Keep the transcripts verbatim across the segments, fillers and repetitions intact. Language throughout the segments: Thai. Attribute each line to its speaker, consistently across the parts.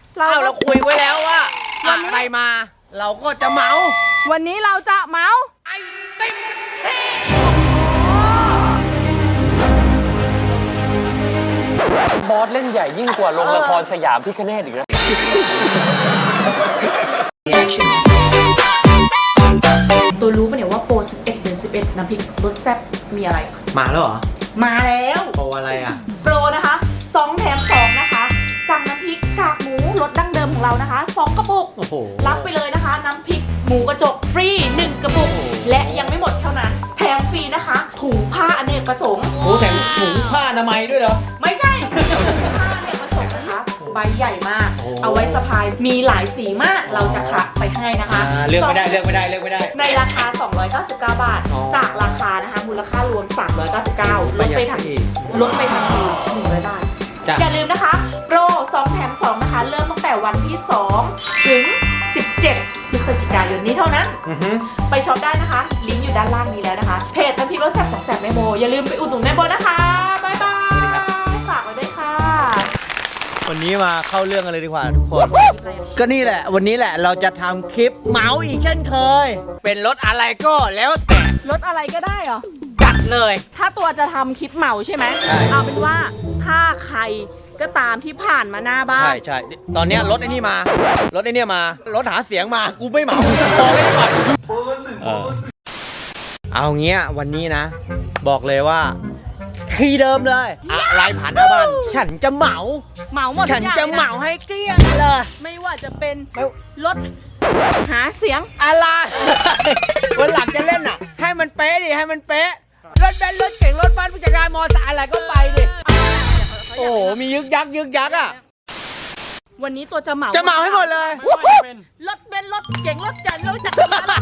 Speaker 1: เราเราคุยไว้แล้วว่าอะไรมาเราก็จะเมา
Speaker 2: วันนี้เราจะเมา
Speaker 1: ไอติมกะทิ
Speaker 3: บอสเล่นใหญ่ยิ่งกว่าลงละครสยามพิคเนตอีกนะ
Speaker 2: ตัวรู้ปะเนี่ยว่าโปรสิบเอ็ดเดือนสิบเอ็ดน้ำพริกรสแซ่บมีอะไร
Speaker 1: มาแล้วเหรอ
Speaker 2: มาแล้ว
Speaker 1: โปรอะไรอ่ะ
Speaker 2: โปรนะคะสองแถมสองนะคะสั่งน้ำพริกกากหมูรสดั้งเดิมของเรานะคะสองกระปุกรับไปเลยนะคะน้ำพริกหมูกระจกฟรีหนึ่งกระปุกและยังไม่หมดเท่านั้นแถมฟรีนะคะถุงผ้าอเนกประสงค์
Speaker 1: โอ้แถมถุงผ้าอนามัยด้วยเหรอ
Speaker 2: ไม่ใช่ถุงผ้าอเนกประสงค์นะคะใบใหญ่มากเอาไว้สะพายมีหลายสีมากเราจะคัดไปให้นะคะ
Speaker 1: เลือกไม่ได้เลือกไม่ได้เลือกไม่ได้
Speaker 2: ในราคาสองร้อยเก้าสิบเก้าบาทจากราคานะคะมูลค่ารวมสามร้อยเก้าสิบเก้าลดไปทันทีลดไปทันทีหนึ่งร้อยบาทอย่าลืมนะคะโปรสองแถมสองนะคะเริ่มตั้งแต่วันที่สองถึงสิบเจ็ดพฤศจิกายนนี้เท่านั้นไปช็อปได้นะคะลิงก์อยู่ด้านล่างนี้แล้วนะคะเพจน้ำพริกรสแซ่บของแซ่บแม่โบอย่าลืมไปอุดหนุนแม่โบนะคะบ๊ายบายฝากไว้ด้วยค่ะ
Speaker 1: วันนี้มาเข้าเรื่องกันเลยดีกว่าทุกคนก็นี่แหละวันนี้แหละเราจะทำคลิปเมาส์อีกเช่นเคยเป็นรถอะไรก็แล้วแต่
Speaker 2: รถอะไรก็ได้เหรอ
Speaker 1: จัดเลย
Speaker 2: ถ้าตัวจะทำคลิปเมาใช่ไหมเอาเป็นว่าถ้าใครก็ตามที่ผ่านมาหน้าบ้าน
Speaker 1: ใช่ใช่ตอนนี้รถไอ้นี่มารถไอ้นี่มารถหาเสียงมากูไม่เหมาบอกไม่ได้ก่อนเอาเงี้ยวันนี้นะบอกเลยว่าทีเดิมเลยอะไรผ่านหน้าบ้านฉันจะเหมา
Speaker 2: เหมาหมด
Speaker 1: ฉันจะเหมาให้เกลี้ยงเลย
Speaker 2: ไม่ว่าจะเป็นรถหาเสียง
Speaker 1: อะไรวันหลังจะเล่นอ่ะให้มันเป๊ะดิให้มันเป๊ะรถแบนรถเก่งรถบ้านผู้จัดการมอเตอร์ไซค์อะไรก็ไปดิโอ้โหมียึกยักยึกยักอ่ะ
Speaker 2: วันนี้ตัวจะเหมา
Speaker 1: จะเหมาให้หมดเลย
Speaker 2: รถเบนซ์รถเก่งรถจักรรถจักรยาน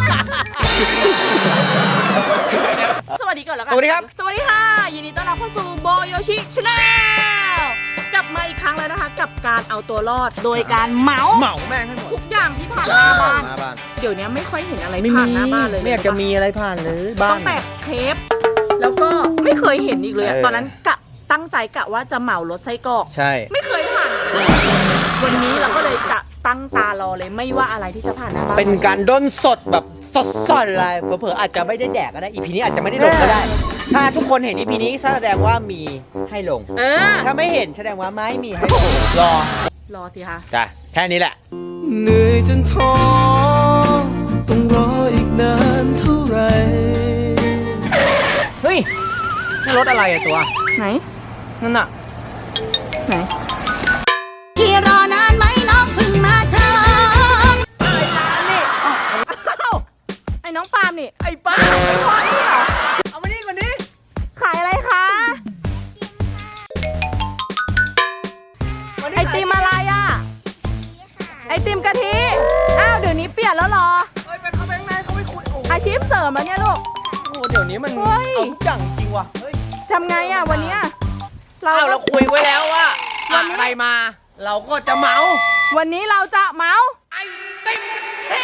Speaker 2: สวัสดีก่อนแล้วกัน
Speaker 1: สวัสดีครับ
Speaker 2: สวัสดีค่ะยินดีต้อนรับเข้าสู่โบโยชิชาแนลกลับมาอีกครั้งแล้วนะคะกับการเอาตัวรอดโดยการเหมา
Speaker 1: เหมาแม่งให้หมด
Speaker 2: ทุกอย่างที่ผ่านหน้าบ้านเดี๋ยวนี้ไม่ค่อยเห็นอะไรผ่านหน้าบ้านเลย
Speaker 1: ไม่อยากจะมีอะไรผ่านเลยบ้าน
Speaker 2: ต้องแปะเคปแล้วก็ไม่เคยเห็นอีกเลยตอนนั้นกะตั้งใจกะว่าจะเหมารถไส้กรอก
Speaker 1: ใช่
Speaker 2: ไม่เคยผ่านวันนี้เราก็เลยจะตั้งตารอเลยไม่ว่าอะไรที่จะผ่านหน้าบ้าน
Speaker 1: เป็นการด้นสดแบบสดสดเลยเผลอๆอาจจะไม่ได้แดกก็ได้อีพีนี้อาจจะไม่ได้ลงก็ได้ถ้าทุกคนเห็นอีพีนี้แสดงว่ามีให้ลงถ้าไม่เห็นแสดงว่าไม่มีให้ลงรอ
Speaker 2: รอสิคะ
Speaker 1: จ้ะแค่นี้แหละ
Speaker 4: เหนื่อยจนท้อต้องรออีกนานเท่าไหร่
Speaker 1: เฮ้ยนี่รถอะไรอะตัว
Speaker 2: ไหน
Speaker 1: นั่นน่ะ
Speaker 2: ไหน
Speaker 5: ที่รอนานไหมน้องพึ่งมาเธอ
Speaker 2: ไอ้น้องปาล์มนี่
Speaker 1: ไอ้ปาล์มเอามานี่ก่อนดิ
Speaker 2: ขายอะไรคะไอติมอะไรอ่ะไอติมกะทิอ้าวเดี๋ยวนี้เปลี่ยนแล้วหรอ
Speaker 1: เฮ้ยไปเข้าไปข้างในเขาไม่คุย
Speaker 2: อาชีพเสริมแล้วเนี่ยลูก
Speaker 1: โอ้เดี๋ยวนี้มันเอาทุกอย่างจริงว่ะเฮ้ย
Speaker 2: ทำไงอ่ะวันนี้
Speaker 1: เราเราคุยไว้แล้วว่าอะไรมาเราก็จะเมา
Speaker 2: วันนี้เราจะเมา
Speaker 1: ไอติมกะทิ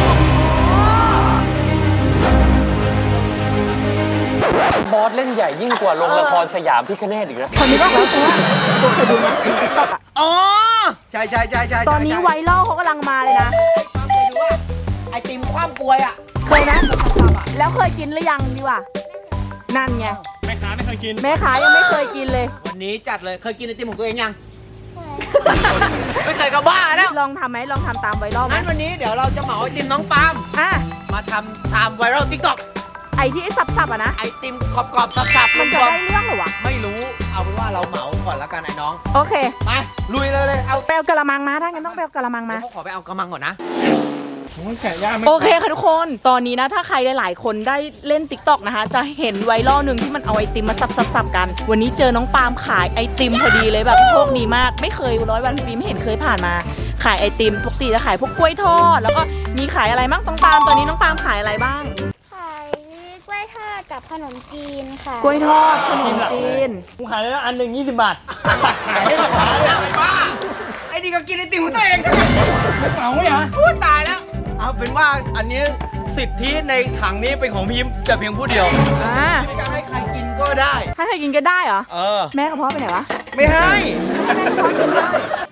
Speaker 3: บอสเล่นใหญ่ยิ่งกว่าลงละครสยามพิคเนตอีกนะ
Speaker 2: คนนี้ก็แล้วตัวตัวเคยดูไหมติ๊กต็อกอ่ะ
Speaker 1: อ๋อใช่ใช่ใช่ใช่
Speaker 2: ตอนนี้ไวรัลเขากำลังมาเลยนะ
Speaker 1: เคยดูว่าไอติมคว่ำป่วยอ่ะ
Speaker 2: เคยนะแล้วเคยกินหรือยังดีว่านั่นไง
Speaker 6: แม่ค้าไม่เคยกิน
Speaker 2: แม่ค้ายังไม่เคยกินเลย
Speaker 1: วันนี้จัดเลยเคยกินไอติมของตัวเองยังไม่เคยก็บ้าแล้ว
Speaker 2: ลองทำไหมลองทำตามไวรัลไหม
Speaker 1: งั้นวันนี้เดี๋ยวเราจะเหมาไอติมน้องปาล์ม
Speaker 2: อ่ะ
Speaker 1: มาทำตามไวรัลติ๊กต็อก
Speaker 2: ไอที่สับๆอ่ะนะ
Speaker 1: ไอติมกรอบๆสับๆ
Speaker 2: มันจะได้เรื่องหรอวะ
Speaker 1: ไม่รู้เอาเป็นว่าเราเหมาก่อนแล้วกันไอ้น้อง
Speaker 2: โอเค
Speaker 1: ไปลุยเลยเลยเอา
Speaker 2: ไปเอากระมังมาถ้างั้นต้องไปเอากระมังมา
Speaker 1: ขอไปเอากระมังก่อนนะ
Speaker 2: โอเคค่ะทุกคนตอนนี้นะถ้าใครหลายๆคนได้เล่น ติ๊กต็อก นะคะจะเห็นไวรัลหนึ่งที่มันเอาไอติมมาสับๆกันวันนี้เจอน้องปาล์มขายไอติมพอดีเลยแบบโชคดีมากไม่เคยร้อยวันปีไม่เห็นเคยผ่านมาขายไอติมปกติจะขายพวกกล้วยทอดแล้วก็มีขายอะไรบ้างน้องปาล์มตอนนี้น้องปาล์มขายอะไรบ้าง
Speaker 5: ขายกล้วยทอดกับขนมจีนค่ะ
Speaker 2: กล้วยทอดขนมจีน
Speaker 6: กูขายแล้วอันหนึ่งยี่สิบบาท
Speaker 1: ขายได้ราคาเลยบ้าไอ้นี่ก็กินไอติมของตัวเอง
Speaker 6: เหมาเหรอ
Speaker 1: พูดตายแล้วเอาเป็นว่าอันนี้สิทธิในถังนี้เป็นของพี่ยิ้มแต่เพียงผู้เดียวไม่การให้ใครกินก็ได้
Speaker 2: ให้ใครกินก็ได้เหรอ
Speaker 1: เออ
Speaker 2: แม่กระเพาะไปไหนวะ
Speaker 1: ไม่ให้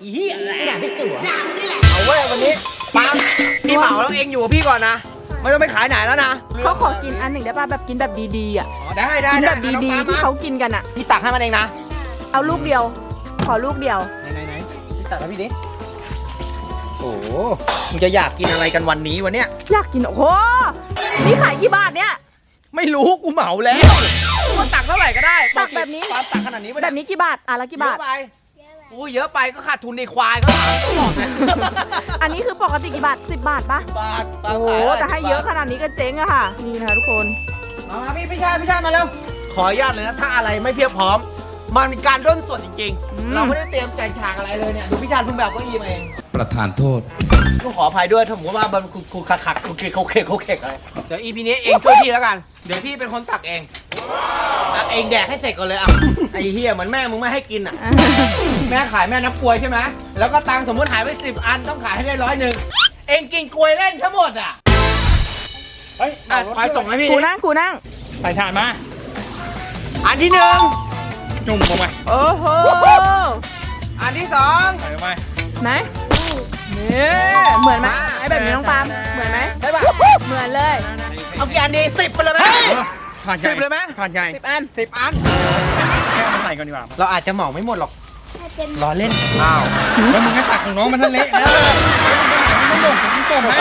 Speaker 1: อีเหี้ยอะไรอยากได้ตั๋วเอาเว้ยวันนี้ปาล์มพี่เหมาแล้วเองอยู่กับพี่ก่อนนะไม่ต้องไปขายไหนแล้วนะ
Speaker 2: เขาขอกินอันหนึ่งได้ป่ะแบบกินแบบดีๆอ่ะ
Speaker 1: อ๋อได้ได้
Speaker 2: กิน
Speaker 1: ได้
Speaker 2: แบบดีๆที่เขากินกันอ่ะ
Speaker 1: พี่ตักให้มันเองนะ
Speaker 2: เอาลูกเดียว ขอลูกเดียว
Speaker 1: ไหนไหนไหนพี่ตักให้พี่ดิโอ้โหมึงจะอยากกินอะไรกันวันนี้วันเนี้ย
Speaker 2: อยากกินโอ้โหนี่ขายกี่บาทเนี่ย
Speaker 1: ไม่รู้กูเหมาแล้วมันตักเท่าไหร่ก็ได้
Speaker 2: ตักแบบนี้
Speaker 1: ปาล์มตักขนาดนี้ไม่
Speaker 2: แบ
Speaker 1: ได้
Speaker 2: บนี้กี่บาทอ่ะละกี่บาท
Speaker 1: เยอะไปอู้เยอะไปก็ขาดทุนในควายก็ถามก็บอกไง
Speaker 2: อันนี้คือปกติกี่บาทสิบบาทปะ
Speaker 1: บาท
Speaker 2: โอ้โหแต่ให้เยอะขนาดนี้ก็เจ๊งอะค่ะ นี่นะคะทุกคน
Speaker 1: มามาพี่พี่ชายพี่ชายมาเร็วขออนุญาตเลยนะถ้าอะไรไม่เพียบพร้อมมันเป็นการด้นสดจริง
Speaker 2: อืม
Speaker 1: ๆ เราไม่ได้เตรียมใจฉากอะไรเลยเนี่ยดูพี่ชายเพิ่งแบบเก็อีมาเอง
Speaker 7: ประธานโทษ
Speaker 1: ก็ขออภัยด้วยถ้าผมว่ามันคุคุคักคักคุกเคกคุกเคกคุกเคกอะไรเดี๋ยวอีพีนี้เองช่วยพี่แล้วกันเดี๋ยวพี่เป็นคนตักเองตักเองแดกให้เสร็จก่อนเลยอ่ะไอ้เฮียเหมือนแม่มึงไม่ให้กินอ่ะ แม่ขายแม่นับกลวยใช่ไหมแล้วก็ตังค์สมมติหายไปสิบอันต้องขายให้ได้ร้อยหนึ่งเองกินกลวยเล่นทั้งหมดอ่ะ
Speaker 6: เฮ้ย
Speaker 1: อ่ะขอส่งให้พี่
Speaker 2: กู
Speaker 1: ดิ
Speaker 2: นั่งกูนั่ง
Speaker 6: ใส่ถาดมา
Speaker 1: อันที่หนึ่ง
Speaker 6: จุ่มลงไป
Speaker 2: โอ้โห
Speaker 1: อันที่สอง
Speaker 6: ใส่ลงไป
Speaker 2: ไหนนี่เหมือนไหม
Speaker 1: มา
Speaker 2: ไอ้แบบนี้น้องปาล์มเหมือนไหม
Speaker 1: ใช่ป่ะ
Speaker 2: เหมือนเลย
Speaker 1: เอากี่อันดีสิบไปเลยไหม
Speaker 6: ถาดใหญ่
Speaker 1: สิบเลยไหม
Speaker 6: ถาดใหญ่
Speaker 2: สิบอัน
Speaker 1: สิบอัน
Speaker 6: แค่เอามาใส่ก่อนดีกว่า
Speaker 1: เราอาจจะเหมาไม่หมดหรอกรอเล่นอ้าว
Speaker 6: แล้วมึงก็ตักของน้องมันทะเละแล้วไม่หลงผมต้มให้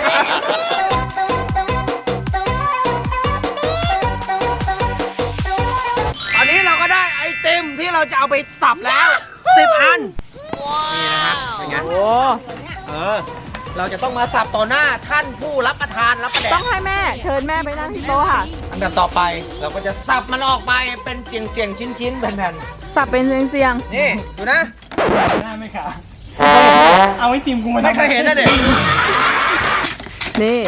Speaker 1: ตอนนี้เราก็ได้ไอติมที่เราจะเอาไปสับแล้วสิบอันนี่นะครับเป็นไง
Speaker 2: โอ้
Speaker 1: เออเราจะต้องมาสับต่อหน้าท่านผู้รับประทานรับประแด
Speaker 2: ต้อก งให้แม่เชิญแม่ไปนั่งที่โต๊ะค่ะ
Speaker 1: อันดับต่อไปเราก็จะสับมันออกไปเป็นเสียงเสียงชิ้นชิ้นๆแผ่น
Speaker 2: สับเป็นเสียง
Speaker 1: ๆนี่ดูนะ
Speaker 6: ได้ไหมคะเอาไอติมกูมาทำ
Speaker 1: ไม่เคยเห็นนะเด็ก
Speaker 2: ๆนี่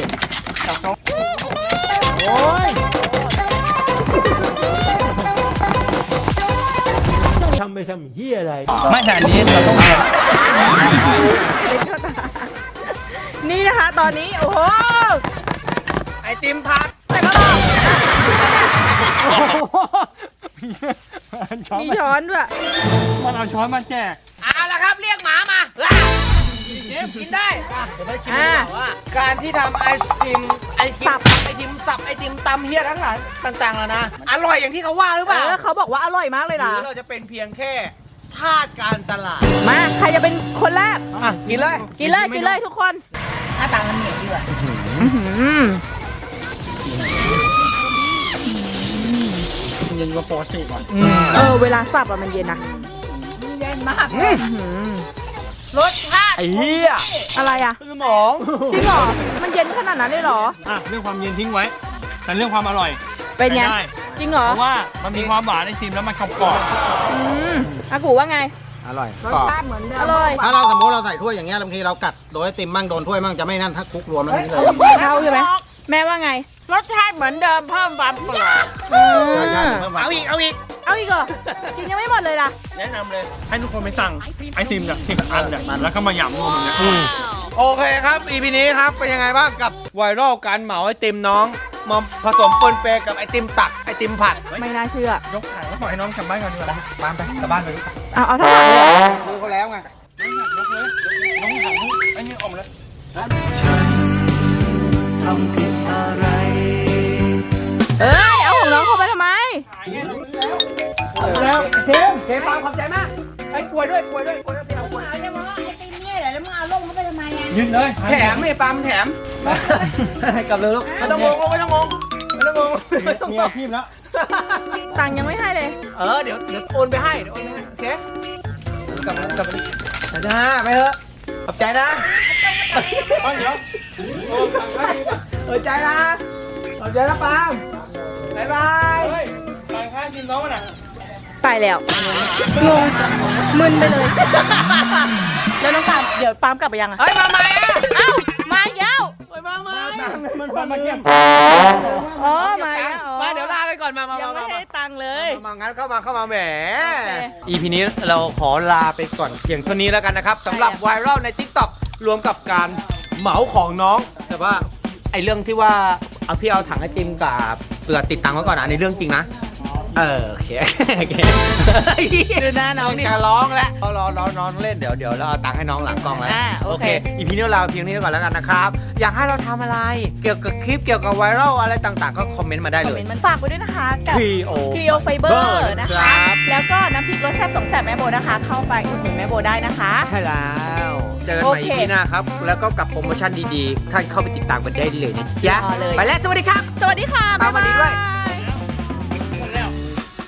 Speaker 6: โอ้ย
Speaker 1: ทำไปทำเฮียอะไร
Speaker 6: ไม่แต่อันนี้เราต้อง
Speaker 2: นี่นะคะตอนนี้โอ้โห
Speaker 1: ไอติมพัก
Speaker 2: แต่ก็บอก
Speaker 6: ช้อน
Speaker 2: มี
Speaker 6: มา
Speaker 2: ช้อนด้วย
Speaker 6: มันเอาช้อนมาแจก
Speaker 1: เอาละครับเรียกหมามาอ่ะกินได้อ่ะเดี๋ยวไปชิมดีกว่าว่าการที่ทำไอติมไอติมสับไอติมสับไอติมตำเฮียทั้งหลายต่างๆแล้วนะอร่อยอย่างที่เขาว่าหรือเป
Speaker 2: เอ
Speaker 1: ล่า
Speaker 2: อเขาบอกว่าอร่อยมากเลย
Speaker 1: หรื
Speaker 2: นะ
Speaker 1: อเราจะเป็นเพียงแค่ทาสการตลาด
Speaker 2: มาใครจะเป็นคนแรก
Speaker 1: อ่ะกินเลย
Speaker 2: กินเลยกินเลยทุกคนหน้าตามันเหนียวดีว่ะ
Speaker 6: เย็นกว่าปกติก่อน
Speaker 2: เออเวลาสับอะมันเย็นนะ
Speaker 1: รสชาติไอ้เหี้ย
Speaker 2: อะไรอะ
Speaker 1: คือหมอง
Speaker 2: จริงเหรอมันเย็นขนาดนั้นเลยเหรอ
Speaker 6: อ่ะเรื่องความเย็นทิ้งไว้ แต่เรื่องความอร่อย
Speaker 2: เป็นไง
Speaker 6: ใช้ได้
Speaker 2: จริงเหรอ
Speaker 6: เพราะว่ามันมีความหวานในติมแล้วมันกรอบ
Speaker 2: อืมอากูว่าไง
Speaker 8: อร่อยกรอบ
Speaker 2: อร่อย
Speaker 8: ถ้าเราสมมติเราใส่ถ้วยอย่างเงี้ยบางทีเรากัดโดนไอติมมั่งโดนถ้วยมั่งจะไม่นั่นถ้าคลุกรวมแล้วนี่เลย
Speaker 2: เข้าใช่ไหมแม่ว่าไง
Speaker 5: รสชาติเหมือนเดิมเพิ่มความกรอบ
Speaker 2: อืม
Speaker 8: ใช่ใช่เพิ่มหวาน
Speaker 1: เอาอีกเอาอีก
Speaker 2: เอาอีกเหรอกินยังไม่หมดเลยล่ะ
Speaker 6: ๆแนะนำเลย ให้ทุกคนไปสั่งไอติมเนี่ยสิบอันเนี่ยแล้วก็มาหยำรวมกันเนี่ย
Speaker 1: โอเคครับ อี พี นี้ครับเป็นยังไงบ้างกับไวรัลการเหมาไอติมน้องมาผสมปนเปกับไอติมตักไอติมผัด
Speaker 2: ไม่น่าเชื่อย
Speaker 6: กถ่ายแล้วปล่อยให้น้องกลับบ้านก่อนดีกว่า
Speaker 1: บ้านไปกลับบ้านไป
Speaker 2: เอาเอาทั้งหมดเลยเหรอ
Speaker 8: คือเขาแล้วไง
Speaker 6: ยกเลยน้องถังไอ้นี่ออกมาเลย
Speaker 4: ทำผิดอะไร
Speaker 2: เอ้ยเอาของน้องเข้าไปทำไม
Speaker 6: แล้วเจม
Speaker 1: เชฟปามขอบใจมากไอ้กล้วยด้วยกล้วยด้วยกล้วยด้วยพี่เอากล้วย
Speaker 6: ยืนเลย
Speaker 1: แถมไม่ปามแถมกลับเลยลูกไม่ต้องงงไม่ต้องงงไม่ต้องงงไม่ต้อง
Speaker 6: มี
Speaker 1: ง
Speaker 6: อาง ชีพแล้ว
Speaker 2: ตังค์ยังไม่ให้เลย
Speaker 1: เออเดี๋ยวเดี๋ยวโอนไปให้เดี๋ยวโอนไปให้โอเคกลับกลับไปนะไปเถอะขอบใจนะ
Speaker 6: ต้นเดี๋ยว
Speaker 1: ขอบใจนะขอบใจนะปามบ๊ายบาย
Speaker 6: เฮ้ยต่างข้างทีมน้องมันอ่ะ
Speaker 2: ไปแล้วงงมึนไปเลย แล้วน้องปาล์มเดี๋ยวปาล์มกลับไปยังอะ
Speaker 1: เฮ้ยมาใหม่อะ
Speaker 2: เอ้ามาอีกแล้ว
Speaker 1: เฮ้ยมาใหม่
Speaker 6: มันความมาเยี่ยม
Speaker 2: อ๋อมาอีกแล้วอ๋อ
Speaker 1: มาเดี๋ยวลาไปก่อนมามา
Speaker 2: ยัง
Speaker 1: มา
Speaker 2: ไม่
Speaker 1: มา
Speaker 2: ให้ตังค์เลย
Speaker 1: มางั้นเข้ามาเข้ามาแหม
Speaker 2: โอเค
Speaker 1: อีพีนี้เราขอลาไปก่อนเพียงเท่านี้แล้วกันนะครับสำหรับไวรัลใน TikTok รวมกับการเหมาของน้องแต่ว่าไอเรื่องที่ว่าเอาพี่เอาถังไอติมกับเสือติดตังค์ไว้ก่อนนะในเรื่องจริงนะเออโอเคโอเค
Speaker 2: ดูหน้าน้องดิ
Speaker 1: จะร้องแล้วรอรอรอน้องเล่นเดี๋ยวเดี๋ยวเราเอาตังค์ให้น้องหลังกล้องแล้ว
Speaker 2: อ่าโอเค
Speaker 1: อีพีนี้เราเพียงนี้ก่อนแล้วกันนะครับอยากให้เราทำอะไรเกี่ยวกับคลิปเกี่ยวกับไวรัลอะไรต่างๆก็คอมเมนต์มาได้
Speaker 2: คอม
Speaker 1: เล
Speaker 2: เม
Speaker 1: ย
Speaker 2: นต์มันฝากไว้ด้วยนะคะกับ
Speaker 1: Clio
Speaker 2: คลีโอไฟเบอ
Speaker 1: Fiber
Speaker 2: ร์นะ
Speaker 1: ครั
Speaker 2: คะ
Speaker 1: บ
Speaker 2: แล้วก็น้ำพริกรสแซ่บสองแสบแม่โบนะคะ เข้าไปอุดหนุนแม่โบได้นะคะ
Speaker 1: ใช่แล้วเจอกันใหม่
Speaker 2: โอเค
Speaker 1: อีพีหน้าครับแล้วก็กับโปรโมชั่นดีๆท่านเข้าไปติดตามกันได้เลยนะจ๊ะ
Speaker 2: รอเลย
Speaker 1: ไปแล้วสวัสดีครับ
Speaker 2: สวัสดีค่ะ
Speaker 1: ตามมาดีด้วย
Speaker 2: บ๊ายบาย